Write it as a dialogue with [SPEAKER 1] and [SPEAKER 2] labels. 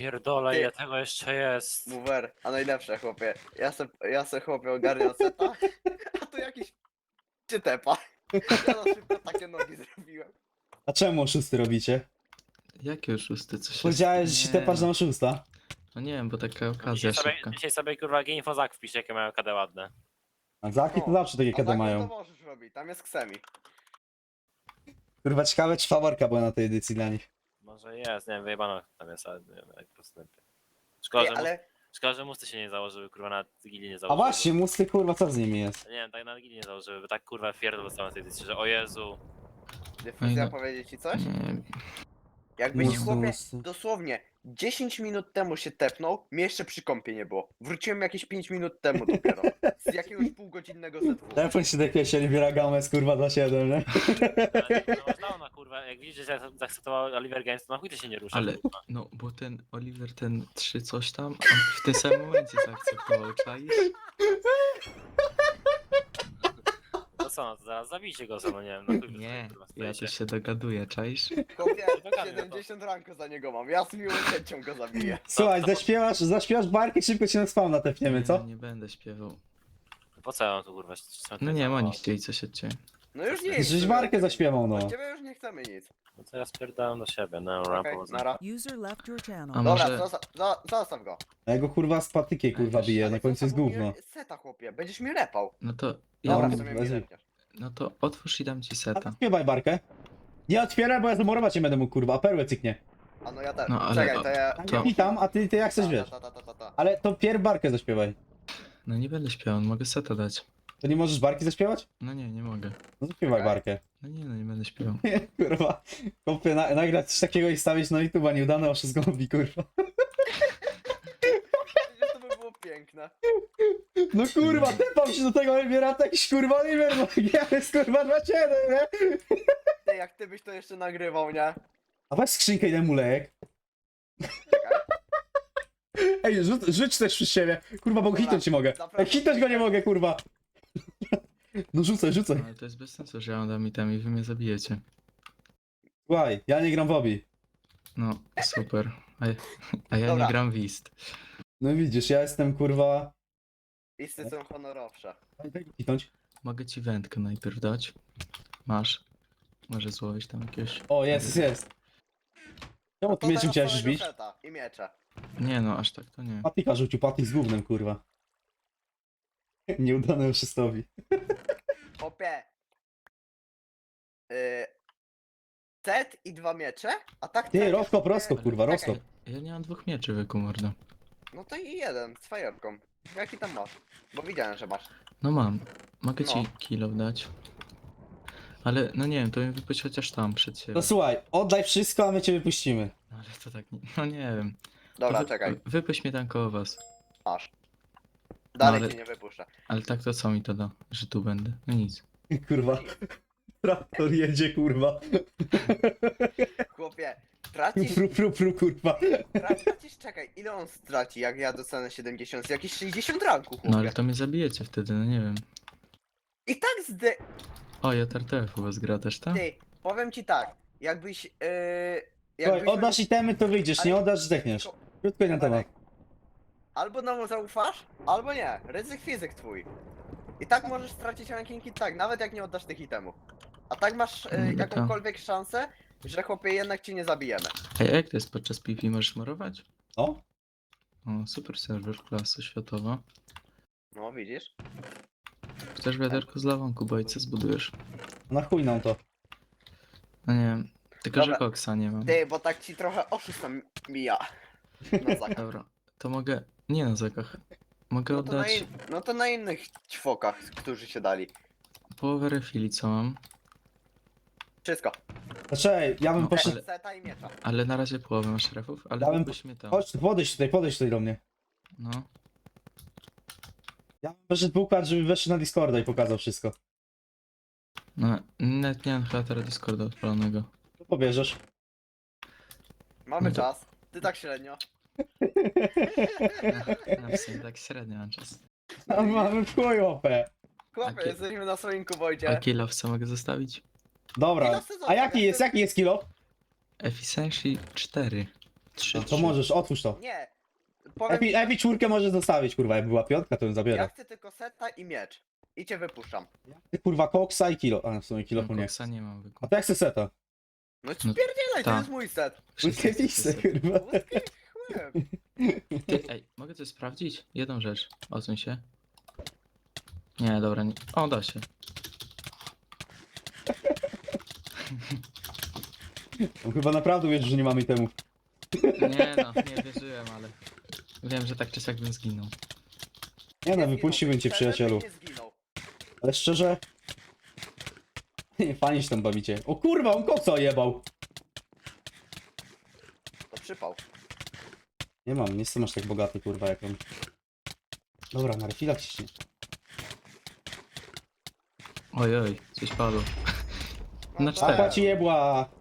[SPEAKER 1] pierdolę,
[SPEAKER 2] Ty-
[SPEAKER 1] ile tego jeszcze jest.
[SPEAKER 2] Mover, a najlepsze chłopie. Ja se chłopie ogarniam seta, a tu jakiś czytepa. Ja na szybko takie nogi zrobiłem.
[SPEAKER 3] A czemu oszusty robicie?
[SPEAKER 4] Jakie oszusty? Co się
[SPEAKER 3] Powiedziałeś, że się
[SPEAKER 4] Nie,
[SPEAKER 3] tepasz
[SPEAKER 4] no.
[SPEAKER 3] na oszusta.
[SPEAKER 4] No nie wiem, bo taka okazja szybka.
[SPEAKER 1] Dzisiaj sobie kurwa Infozak wpisz, jakie mają KD ładne.
[SPEAKER 3] A Zaki to
[SPEAKER 2] No,
[SPEAKER 3] zawsze takie
[SPEAKER 2] A
[SPEAKER 3] KD
[SPEAKER 2] tak to
[SPEAKER 3] mają.
[SPEAKER 2] możesz robić, tam jest ksemi.
[SPEAKER 3] Kurwa, ciekawe czy faworka była na tej edycji dla nich.
[SPEAKER 1] Może jest, nie wiem, wyjebano tam jest, ale nie wiem, jak postępy. Szkoda,
[SPEAKER 2] Ej,
[SPEAKER 1] że,
[SPEAKER 2] ale
[SPEAKER 1] szkoda, że musty się nie założyły, kurwa, na gili nie
[SPEAKER 3] A
[SPEAKER 1] założyły.
[SPEAKER 3] właśnie, musty kurwa, co z nimi jest?
[SPEAKER 1] Nie wiem, tak na gili nie założyły, bo tak kurwa pierdol dostałem na tej edycji, że o Jezu.
[SPEAKER 2] dyfuzja
[SPEAKER 4] no.
[SPEAKER 2] powiedzieć ci coś?
[SPEAKER 4] Nie,
[SPEAKER 2] Jakbyś
[SPEAKER 3] Musty,
[SPEAKER 2] chłopie
[SPEAKER 3] musty.
[SPEAKER 2] dosłownie 10 minut temu się tepnął, mnie jeszcze przy kąpie nie było. Wróciłem jakieś 5 minut temu dopiero. Z jakiegoś półgodzinnego setwu.
[SPEAKER 3] Telefon się dekiesie, Oliwiera Gomez, kurwa, dla 7, nie?
[SPEAKER 1] Ale no masz dawno, kurwa, jak widzisz, że zaakceptował Oliver Games, to na chuj ty się nie rusza.
[SPEAKER 4] ale
[SPEAKER 1] kurwa.
[SPEAKER 4] no bo ten Oliver, ten 3 coś tam, on w tym samym momencie zaakceptował, czaisz?
[SPEAKER 1] To co, no to zaraz zabijcie go, no nie wiem, na chuj wy
[SPEAKER 4] Nie,
[SPEAKER 1] kurwa,
[SPEAKER 4] ja
[SPEAKER 1] stoicie.
[SPEAKER 4] tu się dogaduję, czaisz?
[SPEAKER 2] Chłopie,
[SPEAKER 1] Dogadaj, no to-
[SPEAKER 2] 70 ranku za niego mam. Ja z miłą chęcią go zabiję.
[SPEAKER 3] Słuchaj,
[SPEAKER 1] to-
[SPEAKER 3] zaśpiewasz barki, szybko cię na spawna tepniemy, co?
[SPEAKER 4] Nie będę śpiewał.
[SPEAKER 1] Po co ja mam tu kurwa?
[SPEAKER 4] No nie, oni chcieli coś od ciebie.
[SPEAKER 2] No już nie jest.
[SPEAKER 3] Żeś barkę zaśpiewał, no.
[SPEAKER 2] Od ciebie już nie chcemy nic.
[SPEAKER 1] No to ja spierdalam do siebie, no
[SPEAKER 2] Okej,
[SPEAKER 1] rampa
[SPEAKER 2] nara.
[SPEAKER 5] User left your channel.
[SPEAKER 4] A
[SPEAKER 2] Dobra,
[SPEAKER 4] może-
[SPEAKER 2] zostaw go.
[SPEAKER 3] A ja go kurwa z patykiem kurwa
[SPEAKER 4] Ej,
[SPEAKER 3] bije,
[SPEAKER 2] Ale
[SPEAKER 3] na końcu jest
[SPEAKER 2] zostaw mi
[SPEAKER 3] gówno.
[SPEAKER 2] Seta chłopie, będziesz mi repał.
[SPEAKER 4] No to ja
[SPEAKER 2] Dobra,
[SPEAKER 3] mam-
[SPEAKER 2] w sumie mi
[SPEAKER 3] wezmę.
[SPEAKER 2] repniesz.
[SPEAKER 4] no to otwórz i dam ci
[SPEAKER 3] A
[SPEAKER 4] seta.
[SPEAKER 3] śpiewaj barkę. Nie otwieraj, bo ja zmurować nie będę mógł, kurwa, a perłę cyknie.
[SPEAKER 2] A no ja też.
[SPEAKER 4] No, ale-
[SPEAKER 2] Czekaj, to ja...
[SPEAKER 4] To-
[SPEAKER 3] Witam, a ty jak chcesz, wiesz.
[SPEAKER 2] Ta.
[SPEAKER 3] Ale to pierw barkę zaśpiewaj.
[SPEAKER 4] No nie będę śpiewał, mogę seta dać.
[SPEAKER 3] To nie możesz barki zaśpiewać?
[SPEAKER 4] No nie mogę.
[SPEAKER 3] No zaśpiewaj
[SPEAKER 2] Okej.
[SPEAKER 3] barkę.
[SPEAKER 4] No nie będę śpiewał.
[SPEAKER 3] Kurwa, kopie nagrać coś takiego i stawić na YouTube'a nieudane oszustwo zgubi, kurwa.
[SPEAKER 2] Przecież to by było piękne.
[SPEAKER 3] No kurwa, tepam się do tego Oliwiera, to jakiś kurwa Oliwier, bo ja jest kurwa 2-7, nie?
[SPEAKER 2] Ty, jak ty byś to jeszcze nagrywał, nie?
[SPEAKER 3] A weź skrzynkę i daj mu lejek.
[SPEAKER 2] Czekaj.
[SPEAKER 3] Ej, rzuć też przy siebie. Kurwa, bo
[SPEAKER 2] Dobra,
[SPEAKER 3] hitnąć ci mogę.
[SPEAKER 2] zapraszam.
[SPEAKER 3] Ej, hitnąć go nie mogę, kurwa. No rzucaj.
[SPEAKER 4] No, ale to jest bez sensu, że ja dam item i wy mnie zabijecie.
[SPEAKER 3] Słuchaj, ja nie gram w obi.
[SPEAKER 4] No, super. A ja
[SPEAKER 2] Dobra.
[SPEAKER 4] nie gram w Ist.
[SPEAKER 3] No widzisz, ja jestem kurwa...
[SPEAKER 2] Listy są honorowsze.
[SPEAKER 3] Daj go hitnąć.
[SPEAKER 4] Mogę ci wędkę najpierw dać. Masz. Może złowić tam jakiegoś...
[SPEAKER 3] O, jest. Czemu ty mieczem
[SPEAKER 2] teraz
[SPEAKER 3] chciałeś
[SPEAKER 2] całego
[SPEAKER 3] bić?
[SPEAKER 2] seta I miecze.
[SPEAKER 4] Nie no, aż tak to nie.
[SPEAKER 3] Patyka rzucił, patyk z gównem, kurwa. Nieudane oszustowi.
[SPEAKER 2] Hopie. Set i 2 miecze? A tak
[SPEAKER 3] Ty,
[SPEAKER 2] trafisz,
[SPEAKER 3] rozkop,
[SPEAKER 2] chłopie-
[SPEAKER 3] kurwa,
[SPEAKER 2] Czekaj,
[SPEAKER 3] rozkop.
[SPEAKER 4] Ja nie mam 2 mieczy, wyku mordo.
[SPEAKER 2] No to i jeden, z fajerką. Jaki tam masz? Bo widziałem, że masz.
[SPEAKER 4] No mam. Mogę
[SPEAKER 2] No.
[SPEAKER 4] ci kilo dać. Ale no nie wiem, to mi wypuść chociaż tam przed siebie.
[SPEAKER 3] No słuchaj, oddaj wszystko, a my cię wypuścimy.
[SPEAKER 4] No ale to tak nie... No nie wiem.
[SPEAKER 2] Dobra,
[SPEAKER 4] To
[SPEAKER 2] czekaj,
[SPEAKER 4] Wypuść mnie tam koło was.
[SPEAKER 2] masz. Dalej
[SPEAKER 4] ale-
[SPEAKER 2] cię nie wypuszczę.
[SPEAKER 4] Ale tak to co mi to da? Że tu będę? No nic.
[SPEAKER 3] Kurwa. Traktor jedzie, kurwa.
[SPEAKER 2] Chłopie, tracisz,
[SPEAKER 3] Kurwa.
[SPEAKER 2] tracisz, czekaj, ile on straci, jak ja dostanę 70? Jakieś 60 ranku, chłopie.
[SPEAKER 4] No ale to mnie zabijecie wtedy, no nie wiem.
[SPEAKER 2] I tak zde...
[SPEAKER 4] O, ja TRTF u was gra też, tak?
[SPEAKER 2] Ty, powiem ci tak, jakbyś...
[SPEAKER 3] Słuchaj, oddasz itemy, to wyjdziesz, nie
[SPEAKER 2] Ale-
[SPEAKER 3] oddasz, zdechniesz. Krótko i na temat.
[SPEAKER 2] Albo nam zaufasz, albo nie. Ryzyk fizyk twój. I tak możesz stracić rankingi tak, nawet jak nie oddasz tych itemów. A tak masz
[SPEAKER 4] No to-
[SPEAKER 2] jakąkolwiek szansę, że chłopie jednak ci nie zabijemy.
[SPEAKER 4] Ej, a jak to jest podczas PvP? Możesz morować?
[SPEAKER 3] O?
[SPEAKER 4] O, super serwer, klasa światowa.
[SPEAKER 2] No widzisz?
[SPEAKER 4] Chcesz wiaderko z lawą, Kubojce zbudujesz?
[SPEAKER 3] Na chuj nam to.
[SPEAKER 4] No nie wiem. Tylko,
[SPEAKER 2] Dobra.
[SPEAKER 4] że koksa nie mam.
[SPEAKER 2] Ty, bo tak ci trochę oszustem mija. Na zakaz.
[SPEAKER 4] Dobra, to mogę... Nie na zakach. Mogę
[SPEAKER 2] No to, na
[SPEAKER 4] oddać
[SPEAKER 2] no to na innych ćwokach, którzy się dali.
[SPEAKER 4] połowę refili, co mam.
[SPEAKER 2] Wszystko.
[SPEAKER 3] Zaczekaj, ja bym
[SPEAKER 4] No,
[SPEAKER 3] poszedł...
[SPEAKER 4] ale-
[SPEAKER 2] Seta i miecza.
[SPEAKER 4] Ale na razie połowę masz refów, ale
[SPEAKER 3] Ja bym-
[SPEAKER 4] wypuść mnie tam.
[SPEAKER 3] Chodź, podejdź tutaj do mnie.
[SPEAKER 4] No.
[SPEAKER 3] Ja bym poszedł układ, żeby weszł na Discorda i pokazał wszystko.
[SPEAKER 4] No, net nie mam chyba teraz Discorda odpalonego.
[SPEAKER 3] To pobierzesz.
[SPEAKER 2] Mamy
[SPEAKER 4] No to-
[SPEAKER 2] czas. Ty tak średnio.
[SPEAKER 4] No, w sumie tak średnio mam czas.
[SPEAKER 3] A mamy w chuj opę.
[SPEAKER 2] Chłopie,
[SPEAKER 4] Takie-
[SPEAKER 2] jesteśmy na swoim
[SPEAKER 4] A
[SPEAKER 2] kubojcie.
[SPEAKER 4] kilowca mogę zostawić?
[SPEAKER 3] Dobra. A jaki jest kilo?
[SPEAKER 4] Efficiency 4. 3,
[SPEAKER 3] No to możesz, otwórz to.
[SPEAKER 2] Nie. Powiem,
[SPEAKER 3] Epi czwórkę możesz zostawić, kurwa, jakby była piątka, to ją
[SPEAKER 2] ja
[SPEAKER 3] zabiera.
[SPEAKER 2] chcę tylko seta i miecz. I cię wypuszczam.
[SPEAKER 3] Ty kurwa koksa i kilo. A w sumie kilo nie.
[SPEAKER 4] Koksa nie mam
[SPEAKER 3] A
[SPEAKER 4] wykupić.
[SPEAKER 3] to jak chcę seta?
[SPEAKER 2] No spierdzielaj, to
[SPEAKER 4] tak.
[SPEAKER 2] jest mój set.
[SPEAKER 3] Łódkę pisy, kurwa.
[SPEAKER 2] Łódkę chłem.
[SPEAKER 4] Ty, ej, mogę coś sprawdzić? Jedną rzecz. Odsuń się. Nie, dobra, nie. O, da się.
[SPEAKER 3] On chyba naprawdę wierzy, że nie mamy temu.
[SPEAKER 4] Nie no, nie wierzyłem, ale wiem, że tak czy siak bym zginął.
[SPEAKER 3] Nie no,
[SPEAKER 2] Nie
[SPEAKER 3] wypuściłbym cię,
[SPEAKER 2] zginąłbyś,
[SPEAKER 3] przyjacielu.
[SPEAKER 2] szczerze byś nie zginął.
[SPEAKER 3] Ale szczerze... Nie, fajnie się tam bawicie. O kurwa, on koksa ojebał.
[SPEAKER 2] To przypał.
[SPEAKER 3] Nie mam, nie jestem aż tak bogaty, kurwa, jak on. Dobra, na refila ciśnie.
[SPEAKER 4] Ojej, coś padło. Na
[SPEAKER 2] No
[SPEAKER 4] cztery.
[SPEAKER 3] Papa ci jebła.